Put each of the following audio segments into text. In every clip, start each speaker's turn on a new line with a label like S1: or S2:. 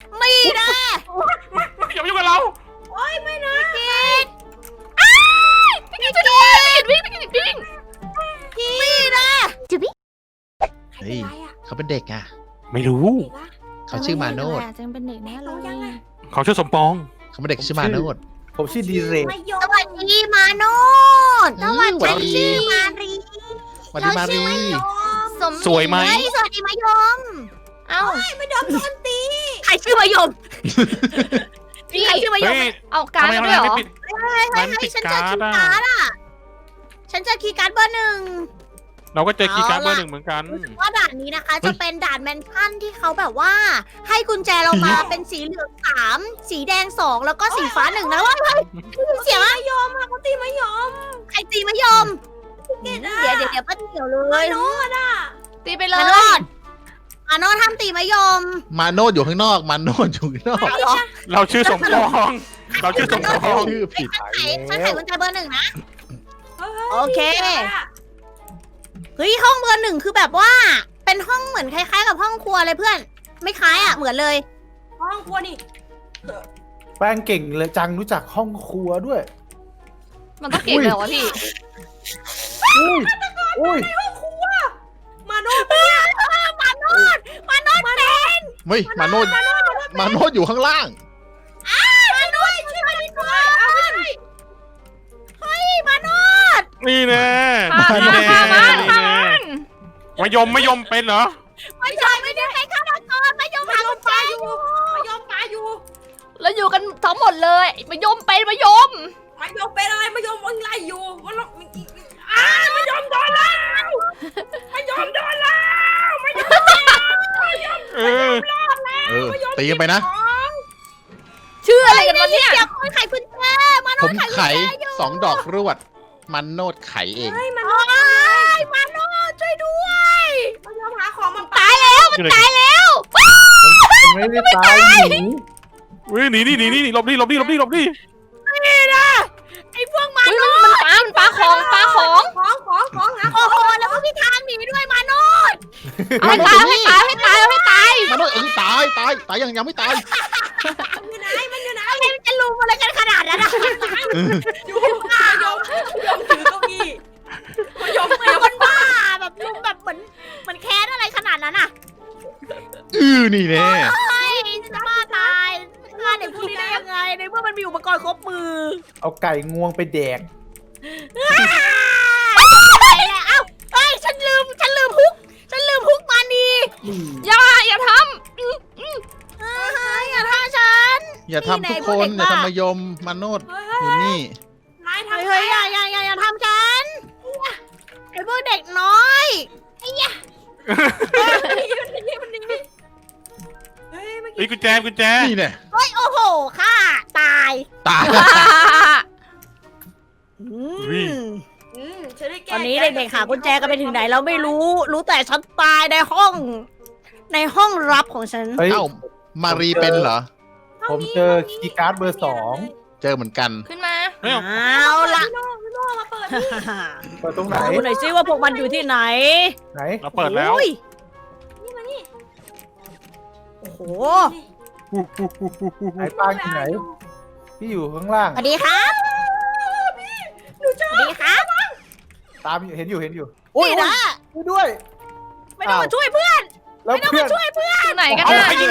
S1: ไม่นะ
S2: อย่ามายุ่งกับเรา
S1: โอ้ยไม่นะกิด
S3: พี่กินช่วยด้วยวิ่งพี่กินวิ่ง
S1: ไม่นะ
S4: เฮ้ยเขาเป็นเด็กอ่ะ
S2: ไม่รู้
S1: เด็กอะ
S4: เขาชื่อมาโนด
S3: จังเป็นเด็กแน่เล
S1: เขายัง
S3: ย
S1: อะ
S2: เขาชื่อสมปอง
S4: เขาเป็นเด็กชื่อมาโนด
S5: ผมชื่อดีเรก
S1: สวัสดีมาโนด
S4: สวัสดี
S1: ฉันชื่อมารี
S4: สวัสดีมารี
S2: สวยไหม
S1: เฮ้ยสวัสดีมายม
S3: เอ้า
S1: ไม่ยอมโดนตีใครชื่อมายม
S3: พี่
S1: ใครชื่อมายม
S2: เฮ้ย
S3: เอาการ์ด
S2: ทำ
S3: มา
S2: ไม
S3: ด้วยเหร
S2: ไม่
S3: อ
S2: ปิด
S1: เฮ้ย
S2: มันปิด
S1: ฉันเจอ
S2: การ์
S1: คี
S2: ด
S1: ย์
S2: อะ
S1: การ์ดอ่ะฉันเจอคีย์การ์ดเบอร์หนึ่ง
S2: เราก็เจอคีย์การ์ด
S1: เอาล่ะ
S2: เบอร์หนึ่งเหมือนกัน
S1: รู้สึกว่าด่านนี้นะคะ จะเป็นด่านแมนชั่นที่เขาแบบว่า ให้กุญแจเรามาเป็นสีเหลือง3สีแดง2แล้วก็สีฟ้า1นะว่าเฮ้ยเสียงมายอมเขาตีมายอมใครตีมายอมเดี๋ยวป้าเดี๋ยวเลยมาโนดอ่ะ
S3: ตีไปเล
S1: มาย โนดมาโนดทำตีมายอม
S4: มาโนดอยู่ข้างนอก มาโนดอยู่ข้างนอก
S1: เหรอ
S2: เราชื่อสมปอง เราชื่อสมปอง
S4: ชื่อผิด
S1: ฉันไขกุญแจเบอร์1นะโอเคเฮ้ยห้องเบอร์1คือแบบว่า เป็นห้องเหมือนคล้ายๆกับห้องครัวเลยเพื่อน ไม่คล้ายอ่ะเหมือนเลยห้องครัวนี่
S5: แป้งเก่งเลยจังรู้จักห้องครัวด้วย
S3: มันต้องเก่งเลยเหรอวะพี่
S5: อุ้ยอุ้ย
S1: มาโนดเนี่ยมาโนดเป็น
S4: เฮ้ยมาโนดมาโนดอยู่ข้างล่าง
S1: มาโนดช่วยมาด้วยเฮ้ยมาโนด
S2: นี่แน่
S3: ฆ่า
S2: นี่
S3: มัน
S2: แน่
S3: ฆ่ามัน
S2: นี่
S3: ฆ่า
S2: แน่
S3: มัน
S2: มายมเป็นเหรอ
S1: ไม่ใช่ไม่ได้ให้ฆาตกรมายอมหากุญแจอยู่มายอมปาอยู่
S3: แล้วอยู่กันทั้งหมดเลยมายมเป็นมายม
S1: มายอมเป็นอะไรมายอมวิ่งไล่อยู่มันมายอมโดนแล้วมายอมโดนแล้วมายอม
S2: เออ
S4: ตีกันไปนะ
S3: ชื่ออะไรกันวะเนี่ย
S1: เดี๋ยวคนไขกุญแจมาโน
S4: ผ
S1: ด
S4: ม
S1: ไขกุญ
S4: ไข
S1: แจอยู่
S4: 2 ดอกรวด มันโนดไขเอง
S1: มาโนดช่วยด้วยมายอมหาของมา
S3: ตายแล้วมันตายแล้ว
S5: มันไม่ได้ตายหนี
S2: วิ่งหนีหลบดิหลบดิ
S1: นี่นะไอ้พวกมา
S3: อุ๊ย
S1: โน
S3: มันปลาของโอ้โห
S1: โอ้โหแล้วก็มีทางหนีด้วยมาโนด
S3: เอาให้ตายเอาให้ตายเอาให้ตายเอาให้ตาย
S4: มาโนดตายยังไม่ตาย
S1: อยู่ไหนมันอยู่ไหนอะไรมันจะลุมอะไรกันขนาดนั้นอะอยู่ข้างยมถือเก้าอี้ยมเป็นคนบ้าแบบลุมแบบเหมือนแค้นอะไรขนาดนั้นอะ
S4: นี่แน่
S1: เฮ้ยจะบ้าตายฆ่าเด็กพวกนี้ได้ยังไงในเมื่อมันมีอุปกรณ์ครบมือ
S5: เอาไก่งวงไปแดก
S1: ไหนแหละเอ้าเฮ้ยฉันลืมฮุกมานี
S3: อย่าท
S1: อย่าฆ่าฉัน
S4: อย่าทำทุกคนอย่าทำมายมมาโนดอยู่นี่
S1: นายทำเฮ้ยอย่าทำฉันไอ้พวกเด็กน้อยไอ้ยะเฮ้ยเมื่อ
S2: ไอ้
S1: กี้
S2: กุญแจ
S4: นี่แน่
S1: เฮ้ยโอ้โหค่ะตาย
S4: ตาย
S1: ตอนนี้เด็กๆหากุญแจกันไปถึงไหนเราไม่รู้แต่ฉันตายในห้องลับของฉัน
S5: เฮ้ย
S4: เอ้ามารีเป็นเหรอ
S5: ผมเจอคีย์การ์ดเบอร์ 2
S4: เจอเหมือนกัน
S3: ำขึ้นมา
S1: เอาล่ะ
S5: เปิดตรงไหน
S1: ดูหน่อยซิว่าพวกมันอยู่ที่ไหน
S5: ไหน
S2: เราเปิดแล้ว
S1: โอ้ยนี่มานี่โอ้โห
S5: ไหนปางอยู่ไหน พี่อยู่ข้างล่าง
S1: สวัสดีครับสวัสดีครับ
S5: ตามอยู่เห็นอยู่
S1: นี่นะ
S5: ช่วยด้วย
S1: ไม่ต้องมาช่วยเพื่อน
S5: แล้ว
S1: ไม่ต้อง
S5: เพื่อ
S1: มาน ช่วยเพื่อน
S3: อยู่ไหนกัน
S2: เอา
S3: น่ะ
S2: ใครยิง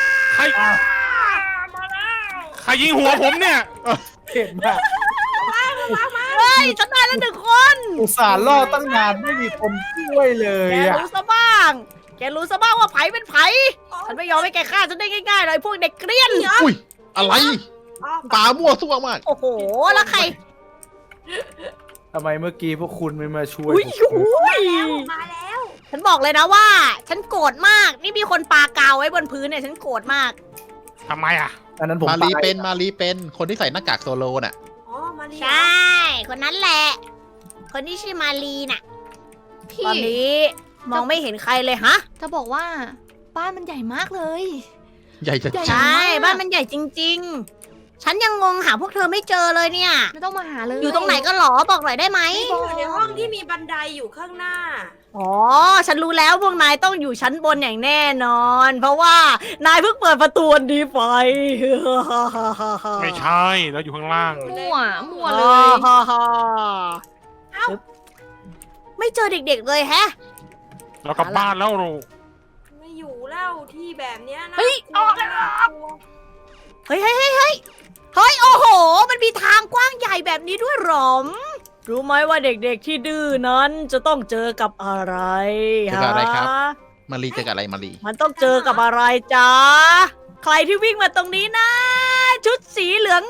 S2: ใครยิงหัวผมเนี่ย
S5: เห็นมาก
S1: เฮ้ยฉันตายแล้ว1 คน
S5: อุตส่าห์ล่อตั้งนานไม่มีคนช่วยเลย
S1: แก
S5: อ่ะ
S1: รู้ซะบ้างว่าไผเป็นไผฉันไม่ยอมให้แกฆ่าฉันได้ง่ายๆเลยพวกเด็กเกรียน
S4: อุ้ยอะไรปลามั่วซั่วมาก
S1: โอ้โหแล้วใคร
S5: ทำไมเมื่อกี้พวกคุณไม่มาช่วย
S1: อุ้ย
S5: ผม
S1: มาแล้ว ฉันบอกเลยนะว่า ฉันโกรธมาก นี่มีคนปากาวไว้บนพื้นเนี่ยฉันโกรธมาก
S2: ทำไมอ่ะ
S5: อันนั้นผม
S4: มารี
S5: ตาย
S4: เป็นคนที่ใส่หน้ากากโซโลน่ะ
S1: ใช่ คนนั้นแหละ คนที่ชื่อมาลีน่ะ
S3: พี่
S1: ตอนนี้มองไม่เห็นใครเลยฮะ
S3: จะบอกว่าบ้านมันใหญ่มากเลย
S4: ใหญ่จะ
S3: ใหญ่
S1: ใช่ บ้านมันใหญ่จริงฉันยังงงหาพวกเธอไม่เจอเลยเนี่ย
S3: ไม่ต้องมาหาเลย
S1: อยู่ตรงไหนกันหรอบอกหน่อยได้ไหม
S6: อยู่ในห้องที่มีบันไดอยู่ข้างหน้า
S1: อ๋อ ฉันรู้แล้วพวกนายต้องอยู่ชั้นบนอย่างแน่นอน เพราะว่านายเพิ่งเปิดประตูอันนี้ไป
S2: ไม่ใช่แล้วอยู่ข้างล่าง
S3: มั่วเลย
S1: เอ้าไม่เจอเด็กๆเลยแฮะ
S2: เรากลับบ้านแล้วเรา
S6: ไม่อยู่แล้วที่แบบเนี้ยนะ
S3: เฮ้ย
S6: กลัวน่ากลัว
S1: เฮ้ยโอ้โห มันมีทางกว้างใหญ่แบบนี้ด้วยหรอม รู้ไหมว่าเด็กๆที่ดื้อนั้นจะต้องเจอกับอะไร
S4: เจอกับอะไรครับ
S1: ฮะ
S4: มารีเจอกับอะไรมารี
S1: มันต้องเจอกับอะไรจ๊ะ ใครที่วิ่งมาตรงนี้นะ ชุดสีเหลือง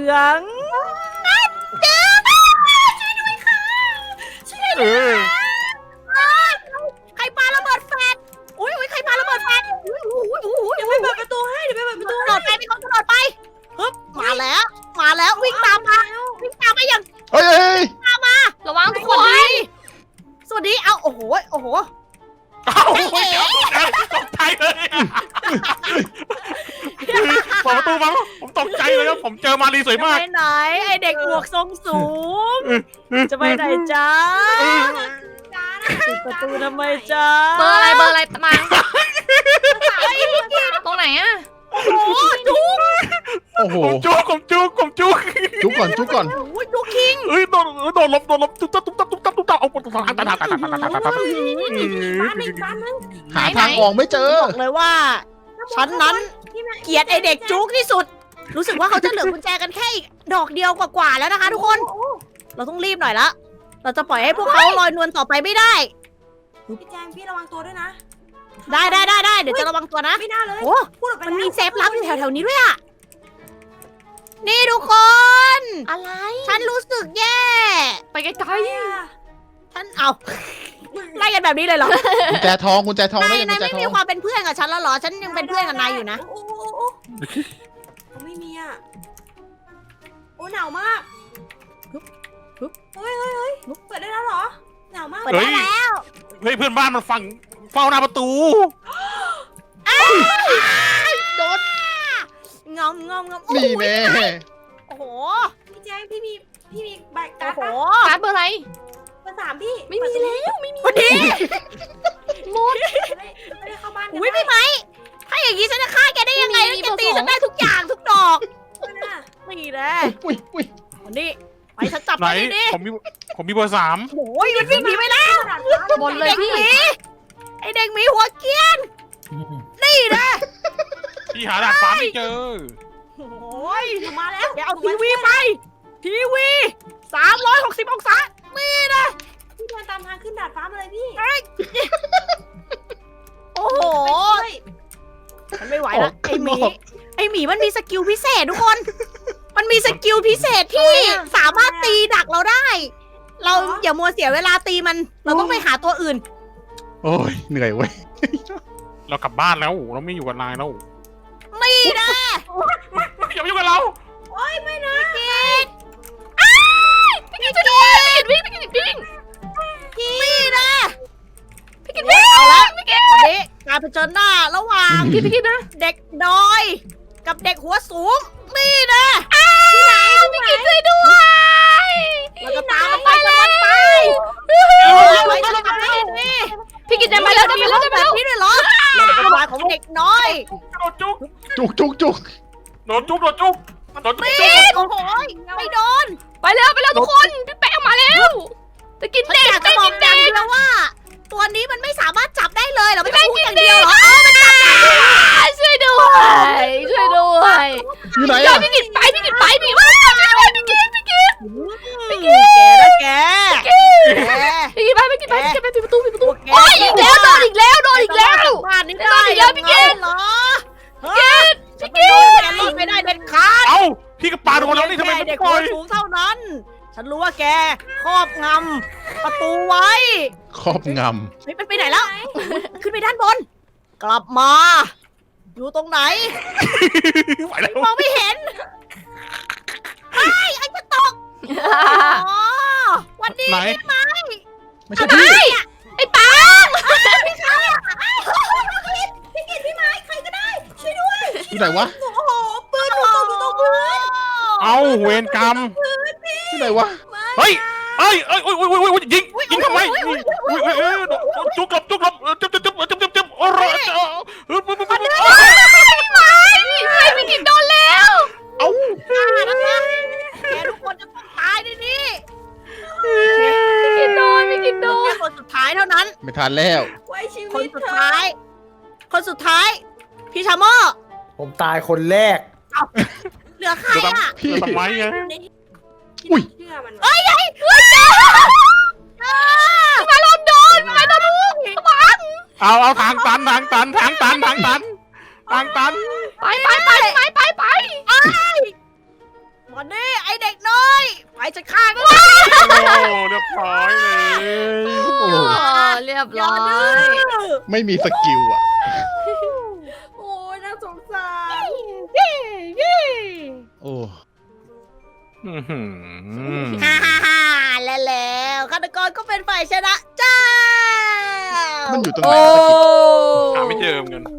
S1: เจอช่วยด้วยค่ะ
S2: เออ
S1: ใครปาระเบิดแฟนอุ้ยใครปาระเบิดแฟนอุ้ย
S6: เดี๋ยวไปเปิดประตูให้เดี๋ยวไปเปิดประตู
S1: กระโดดไปมีคนกระโดดไปฮึบมาแล้ววิ่งตามมาอย่าง
S4: เฮ้ย
S3: ระวังทุก
S1: ส
S3: ค
S1: วัส
S3: น
S1: ดีสวัสดีเอาโอ้โห
S2: เอ้าเดี๋ยวตกใจเลยอะเปิดประตูมาผมตกใจเลยครับผมเจอมารีสวย
S1: จะ
S2: มาก
S1: ไปไหนไอเด็กหมวกทรงสูง จะไปไหนจ๊ะ
S6: จ้า
S1: ปิดประตูทำไมจ๊ะ
S3: เบอร์อะไรมาตรงไหนอะ
S1: โอ้โหจุ๊ก
S4: โอ้โห
S2: ผมจุก
S4: จุกก่อน
S1: โอ้ยจุ๊กคิง
S2: เอ้ยโดนลบตุ๊บตับเอาปตา
S6: บ้านอีกบ้านนึง
S4: หาทางออกไม่เจอ
S1: บอกเลยว่า ฉันนั้นเกลียดไอเด็กจุ๊กที่สุด รู้สึกว่าเขาจะเหลือกุญแจกันแค่อีกดอกเดียวกว่าๆแล้วนะคะทุกคน เราต้องรีบหน่อยละ เราจะปล่อยให้พวกเขาลอยนวลต่อไปไม่ได้
S6: พี่แจงพี่ระวังตัวด้วยนะ
S1: ได้เดี๋ยวจะระวังตัวนะ
S6: ไม่น่าเลย
S1: โอ้
S6: พูดออกไป
S1: มัน
S6: แล้ว
S1: มีเซฟลับอยู่แถวๆนี้ด้วยอะนี่ทุกคน
S3: อะไร
S1: ฉันรู้สึกแย่
S3: ไปไกล
S6: ใครอ่ะ
S1: ฉันเอาไล่กันแบบนี้เลยเหรอ
S4: กุญแจทองแล้วยัง
S1: นาย
S4: กุญแจ
S1: ไม่
S4: ทอ
S1: มี
S4: ง
S1: ความเป็นเพื่อนกับฉันแล้วเหรอ ฉันยังเป็นเพื่อนกับนายอยู่นะ
S6: โอ้เขาไม่มีอ่ะโอ้หนาวมาก
S1: ฮึบ
S6: เฮ้ยเปิดได้แล้วเหรอหนาวมาก
S1: เปิดได้แล้ว
S2: เฮ้ยเพื่อนบ้านมันฟังเฝ้าหน้าประตู
S1: โดนงอมโอ้
S4: นี่
S1: โห
S4: แน่
S1: โอ้โห
S6: พี่แจงพี่มีใบกา
S1: โอ้
S6: ร์ด
S1: โห
S6: ปะ
S3: ๆการ์ดเบอร์อะไร
S6: เบอร์3พี่
S3: ไม่มีแล้วไม่มี
S1: พอดี
S6: ไม่ได้เข้าบ้านกัน
S1: อุ้ยพี่ไหมถ้าอย่างนี้ฉันจะฆ่าแกได้ยังไงแล้วแกตีฉันได้ทุกอย่างทุกดอก
S6: นะ
S1: นี่แหละ
S4: อุ้ย
S1: วันนี้ไปฉันจับ
S2: ไหน
S1: ไปดิ
S2: ผมมีเบอร์3
S1: โอ้ยมันวิ่งหนีไปแล้ว
S3: บนเลย
S1: เด็ก
S3: พี่
S1: หมีไอเด็กหมีหัวเกรียน นี่นะ
S2: พี่หาดาดฟ้าไม่เจอ
S1: โอ้ย
S6: หนูมาแล้ว
S1: แกเอาทีวีไป ทีวี360องศานี่นะ
S6: พี่เดินตามทางขึ้นดาดฟ้ามาเลยพี่
S1: โอ้โห
S6: ไปช่วย
S1: มันไม่ไหวแล้วไอหมีมันมีสกิลพิเศษทุกคน มันมีสกิลพิเศษที่สามารถตีดักเราได้ เราอย่ามัวเสียเวลาตีมัน เราต้องไปหาตัวอื่น
S4: โอ้ยเหนื่อยเว้ย
S2: เรากลับบ้านแล้วเราไม่อยู่กับนายแล้ว
S1: นี่นะ
S2: อย่ามายุ่งกับเรา
S3: พี่กินช่วยด้วยวิ่งพี่กินวิ่ง
S1: นี่นะ
S3: พี่กินวิ่ง
S1: เอาละวันนี้การเผชิญหน้าระหว่าง
S3: พี่กินนะ
S1: เด็กดอย กับเด็กหัวสูง นี่นะ
S3: พี่กินช่วยด้วย
S1: เราจะตามมันไปตามมันไปไปฉันจะทำให้นี่
S3: พี่กินจะไปแล้วจะไปแล้วจะไป
S1: แบ
S3: แล้
S1: บ
S3: ว
S1: นี้ด้วยเหรอเราเป็นวายของเด็กน้อย
S2: โดนจุก
S4: จุก
S2: โดนจุก
S1: นี่โอ้โหไม่โดน
S3: ไปแล้วทุกคนพี่แป้งมาแล้วจะกิน
S1: ฉัน
S3: เด็ก
S1: อยาก
S3: จะ
S1: จะบอ
S3: กิ
S1: ก
S3: น
S1: อ
S3: เด็
S1: ย่าง
S3: ก
S1: เดียวว่า ตัวนี้มันไม่สามารถจับได้เลยเหรอไม่ต้องพูดอย่างเดียวเหรอ
S3: ช่วยด้วยช่วยด้วย
S4: อยู่ไหน
S3: เดี๋ยว
S4: อะ
S3: พี่กินไปพี่ว้าวช่วยด้วยพี่กิน
S1: แกนะแก
S3: พี่กินไปปิดประตู
S1: แก
S3: โอ้ยอีกแล้วโดนอีกแล้ว
S1: บ้านนี้ได้เหรอพี่แกแกรอดไม่ได้เด็ดขาด
S2: เอ้าพี่ก็ปาโดนแล้วนี่ทำไมไม่
S1: เด็ก
S2: ปล่
S1: หั
S2: อ
S1: วย สูงเท่านั้น ฉันรู้ว่าแกครอบงำประตูไว้
S4: ครอบง
S1: เฮ้ยมันไปไหนแล้ว ขึ้นไปด้านบน กลับมา อยู่ตรงไหน
S2: ไหวแล้ว
S1: มองไม่เห็นไอ้จะตกอ๋อวันนี้
S2: ไหน
S4: ำไม่ใช่พี่
S3: ไอ้ปัง
S6: พี่กินพี่ไม้ใครก็ได้ช่วยด้วย
S4: อยู่ไหนวะ
S6: โอ้โหปืนหนูตกอยู่ตรงพื้น
S2: เอาเวรกรรม
S4: ที่ไหนวะ
S2: เฮ้ยเอ้ยยิงทำไมจุกหลบจุบโอ้โห
S3: พี่กินโดนแล้ว
S4: เอ้า
S1: แกทุกคนจะต้องตายในนี้
S3: พี่กินโดน
S1: แค่คนสุดท้ายเท่านั้น
S4: ไม่ทันแล้ว
S6: ไว้ชี
S1: ค
S6: วิ
S1: น
S6: ต
S1: สุด
S6: เธอ
S1: ท้าย คนสุดท้าย พี่ชาโม
S5: ผมตายคนแรก
S1: เหลือใครอ่ะ
S4: พี่
S2: ทำไมไง
S4: อุ้ย
S6: เชื่อมัน
S1: เอ้ยมาลมโดนมาโดนลูก
S2: เอาทางตัน
S3: ไป
S1: วันนี้ไอเด็กน้อย ไปจะฆ่ากัน
S2: โอ้เรียบร้อยเลย
S4: โอ้
S3: เรียบ
S1: อย่า
S3: ร้อ
S1: ดื้
S3: ย
S1: อ
S4: ไม่มีสกิลอ่ะ
S6: โอ้ยน่าสงสาร
S4: โอ้
S1: ฮ่าฮ่าฮ่าแล้วฆาตกรก็เป็นฝ่ายชนะจ้า
S4: มันอยู่ตรงไหน
S3: โอ้
S4: วะตะกี้
S2: หาไม่เจอเหมือนกัน